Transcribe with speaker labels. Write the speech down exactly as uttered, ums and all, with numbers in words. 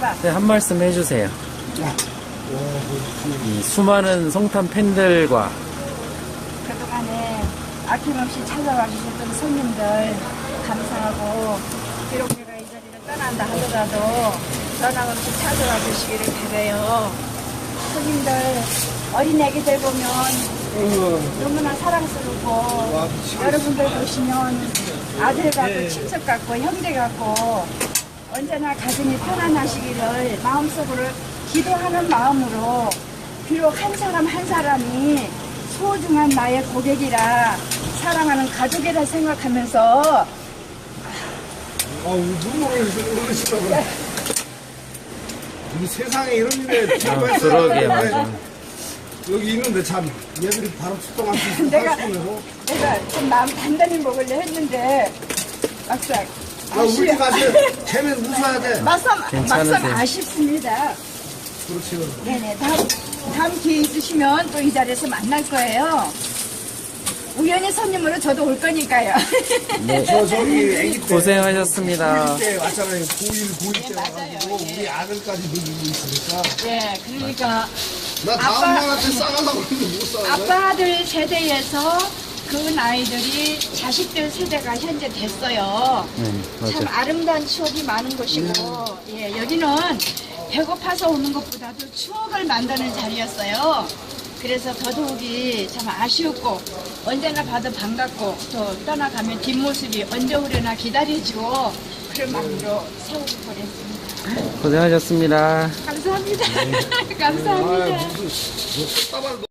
Speaker 1: 해봐.
Speaker 2: 네, 한 말씀 해주세요. 이 수많은 성탄 팬들과
Speaker 1: 그동안에 아낌없이 찾아와 주셨던 손님들 감사하고, 비록 내가 이 자리를 떠난다 하더라도 변함없이 찾아와 주시기를 바라요. 손님들, 어린 애기들 보면 너무나 사랑스럽고, 여러분들 보시면 아들 같고 친척 같고 형제 같고, 언제나 가슴이 편안하시기를 마음속으로 기도하는 마음으로, 비록 한 사람 한 사람이 소중한 나의 고객이라, 사랑하는 가족이라 생각하면서
Speaker 3: 아우, 눈물을 흘리시다고 그래. 이 세상에 이런 일에
Speaker 2: 아,
Speaker 3: 참여했어야
Speaker 2: 그러게
Speaker 3: 하는데
Speaker 2: 맞아.
Speaker 3: 여기 있는데 참 얘들이 바로 출동할 수 있으면
Speaker 1: 내가-
Speaker 3: 할 거고.
Speaker 1: 내가 좀 마음 단단히 먹으려 했는데 막상
Speaker 3: 야, 우리 가서 쟤는 웃어야 돼.
Speaker 1: 막상,
Speaker 2: 괜찮으세요?
Speaker 1: 막상 아쉽습니다.
Speaker 3: 그렇지.
Speaker 1: 네네. 다음, 다음 기회 있으시면 또 이 자리에서 만날 거예요. 우연히 손님으로 저도 올 거니까요.
Speaker 2: 네,
Speaker 3: 저 저기 애기 때
Speaker 2: 고생하셨습니다.
Speaker 3: 구일 때 왔잖아요. 구일 구일 때
Speaker 1: 네, 맞아요.
Speaker 3: 와가지고
Speaker 1: 예.
Speaker 3: 우리 아들까지 놀리고 있으니까
Speaker 1: 예, 그러니까
Speaker 3: 나 다음
Speaker 1: 아빠-
Speaker 3: 날한테 싸가려고 했는데 못 싸가.
Speaker 1: 아빠들 세대에서 그 나이들이 자식들 세대가 현재 됐어요.
Speaker 2: 네,
Speaker 1: 참
Speaker 2: 맞아.
Speaker 1: 아름다운 추억이 많은 곳이고, 예, 여기는 배고파서 오는 것보다도 추억을 만드는 자리였어요. 그래서 더더욱이 참 아쉬웠고, 언제나 봐도 반갑고, 또 떠나가면 뒷모습이 언제 오려나 기다려지고, 그런 마음으로 세우고 보냈습니다.
Speaker 2: 고생하셨습니다.
Speaker 1: 감사합니다.
Speaker 3: 아,
Speaker 1: 감사합니다.
Speaker 3: 무슨 뭐 꽃다발